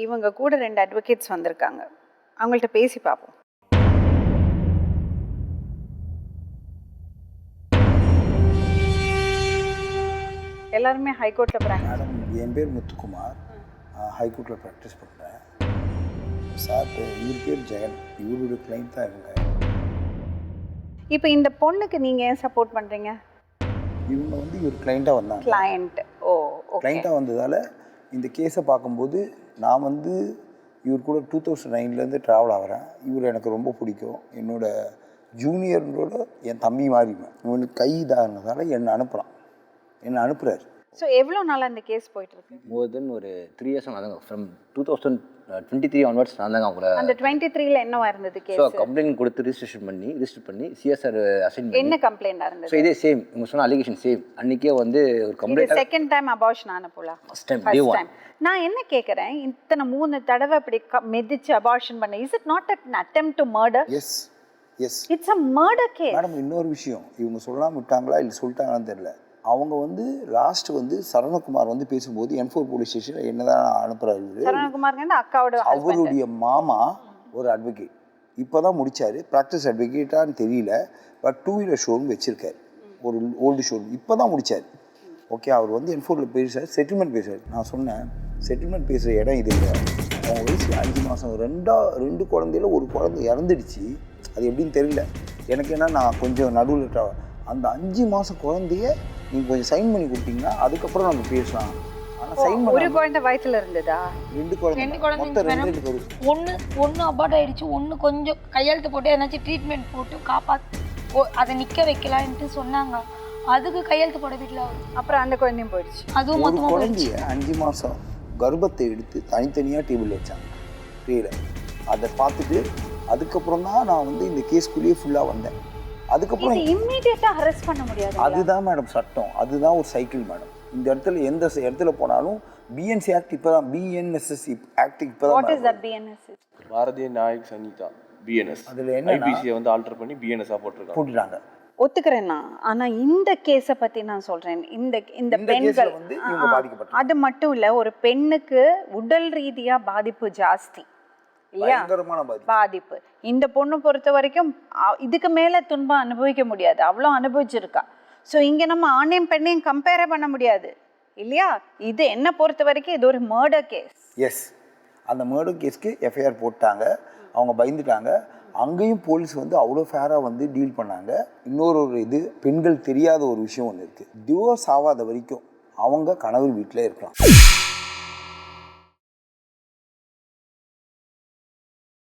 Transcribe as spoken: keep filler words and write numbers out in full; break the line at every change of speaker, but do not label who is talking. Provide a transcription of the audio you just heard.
இவங்க கூட ரெண்டு அட்வொகேட்ஸ் வந்திருக்காங்க. அவங்கள்ட்ட பேசி பார்ப்போம். எல்லாருமே ஹைகோர்ட்டில் ப்ராக்டிஸ்.
மேடம், என் பேர் முத்துக்குமார், ஹைகோர்ட்டில் ப்ராக்டிஸ் பண்ணுறேன். சார் இவர் பேர் ஜெகன், இவருடைய கிளைண்ட் தான் இவங்க.
இப்போ இந்த பொண்ணுக்கு நீங்கள் ஏன் சப்போர்ட் பண்ணுறீங்க?
இவங்க வந்து இவர் கிளைண்ட்டாக வந்தாங்க.
கிளைண்ட். ஓ,
கிளைண்ட்டாக வந்ததால் இந்த கேஸை பார்க்கும்போது நான் வந்து இவர் கூட டூ தௌசண்ட் நைன்லேருந்து ட்ராவல் ஆகிறேன். இவர் எனக்கு ரொம்ப பிடிக்கும். என்னோட ஜூனியரோட என் தம்பி மாறிவேன். இவனுக்கு கை இதாகிறதால என்னை அனுப்புகிறான், என்னை அனுப்புகிறார்.
ஸோ எவ்வளோ நாளாக இந்த கேஸ் போயிட்டுருக்கு?
மோர் தென் ஒரு த்ரீ இயர்ஸ் ஆனாங்க. From two thousand twenty three onwards நான் தாங்க அவங்கள.
அந்த டுவெண்ட்டி த்ரீல என்னவா இருந்தது கேஸ்?
ஸோ கம்ப்ளைண்ட் கொடுத்து ரிஜிஸ்ட்ரேஷன் பண்ணி ரிஜிஸ்டர் பண்ணி சிஎஸ்ஆர் அசைன் பண்ணி.
என்ன கம்ப்ளைண்டாக இருந்தது?
ஸோ இதே சேம் இவங்க சொன்ன அலிகேஷன் சேம். அன்றைக்கே வந்து ஒரு கம்ப்ளைண்ட்.
செகண்ட் டைம் அபார்ஷன் ஆன போல?
First time day one.
நான் என்ன கேட்குறேன், இத்தனை மூணு தடவை இப்படி மெதிச்சு அபார்ஷன் பண்ண, is it not an attempt to murder?
Yes yes
it's a murder case.
Madam, இன்னொரு விஷயம், இவங்க சொல்லாமல் விட்டாங்களா இல்லை சொல்லிட்டாங்களான்னு தெரியல. அவங்க வந்து லாஸ்ட் வந்து சரவணகுமார் வந்து பேசும்போது என் ஃபோர் போலீஸ் ஸ்டேஷனில் என்னதான் அனுப்புகிறாரு.
சரவணகுமார் அக்காவோட
அவருடைய மாமா ஒரு அட்வொகேட் இப்போ தான் முடித்தார். ப்ராக்டிஸ் அட்வொகேட்டான்னு தெரியல, பட் டூ வீலர் ஷோரூம் வச்சுருக்காரு, ஒரு ஓல்டு ஷோரூம் இப்போ தான் முடித்தார். ஓகே, அவர் வந்து என் ஃபோரில் பேசுகிறார், செட்டில்மெண்ட் பேசுகிறார். நான் சொன்னேன், செட்டில்மெண்ட் பேசுகிற இடம் இது இல்லை. அவங்க வயசு அஞ்சு மாதம், ரெண்டா ரெண்டு குழந்தையில ஒரு குழந்தை இறந்துடுச்சு. அது எப்படின்னு தெரியல எனக்கு. ஏன்னா நான் கொஞ்சம் நடுவில் அந்த அஞ்சு மாதம் குழந்தைய நீங்கள் கொஞ்சம் சைன் பண்ணி கொடுத்தீங்கன்னா அதுக்கப்புறம் நம்ம பேசலாம். ஆனால் சைன் பண்ண
ஒரு குழந்தை வயிற்றுல இருந்ததா?
ரெண்டு குழந்தை,
ரெண்டு குழந்தை. ஒன்று ஒன்று அபார்ட் ஆகிடுச்சு, ஒன்று கொஞ்சம் கையெழுத்து போட்டு ஏதாச்சும் ட்ரீட்மெண்ட் போட்டு காப்பாற்று அதை நிற்க வைக்கலான்ட்டு சொன்னாங்க. அதுக்கு கையெழுத்து போட வீட்டில்.
அப்புறம் அந்த குழந்தையும் போயிடுச்சு.
அதுவும் மொத்தமாக
குழந்தைய அஞ்சு மாதம் கர்ப்பத்தை எடுத்து தனித்தனியாக டேபிள் வச்சாங்க ட்ரீல. அதை பார்த்துட்டு அதுக்கப்புறம் தான் நான் வந்து இந்த கேஸ்குள்ளேயே ஃபுல்லாக வந்தேன். அதுக்கப்புறம்
இம்மீடியட்டாக அரெஸ்ட் பண்ண முடியாது.
அதுதான் மேடம் சட்டம், அதுதான் ஒரு சைக்கிள் மேடம். இந்த இடத்துல எந்த இடத்துல போனாலும் பிஎன்சி ஆக்ட் இப்போ தான், பிஎன்எஸ்எஸ் ஆக்ட் இப்போ தான்.
What is that BNSS?
Bharatiya Nayak Sangeeta BNS.
அதில் என்ன
ஐபிசியை வந்து ஆல்டர் பண்ணி பிஎன்எஸ்ஸாக போட்டிருக்காங்க
போட்டுட்டாங்க.
ஒத்துக்கிறேன்னா, ஆனால் இந்த கேஸை பற்றி நான் சொல்கிறேன். இந்த இந்த பெண்கள்
வந்து இவங்க பாதிக்கப்பட்டாங்க.
அது மட்டும் இல்லை, ஒரு பெண்ணுக்கு உடல் ரீதியாக பாதிப்பு ஜாஸ்தி இல்லையா? பாதிப்பு. இந்த பொண்ணு பொறுத்த வரைக்கும் இதுக்கு மேலே துன்பம் அனுபவிக்க முடியாது, அவ்வளோ அனுபவிச்சிருக்கா. ஸோ இங்கே நம்ம ஆணையம் பெண்ணையும் கம்பேரே பண்ண முடியாது இல்லையா? இது என்ன பொறுத்த வரைக்கும் இது ஒரு மர்டர் கேஸ்.
எஸ், அந்த மர்டர் கேஸ்க்கு எஃப்ஐஆர் போட்டாங்க. அவங்க பயந்துட்டாங்க. அங்கேயும் போலீஸ் வந்து அவ்வளோ ஃபேராக வந்து டீல் பண்ணாங்க. இன்னொரு ஒரு இது, பெண்கள் தெரியாத ஒரு விஷயம் ஒன்று இருக்குது. டிவோர்ஸ் ஆகாத வரைக்கும் அவங்க கணவர் வீட்டில் இருக்கலாம்.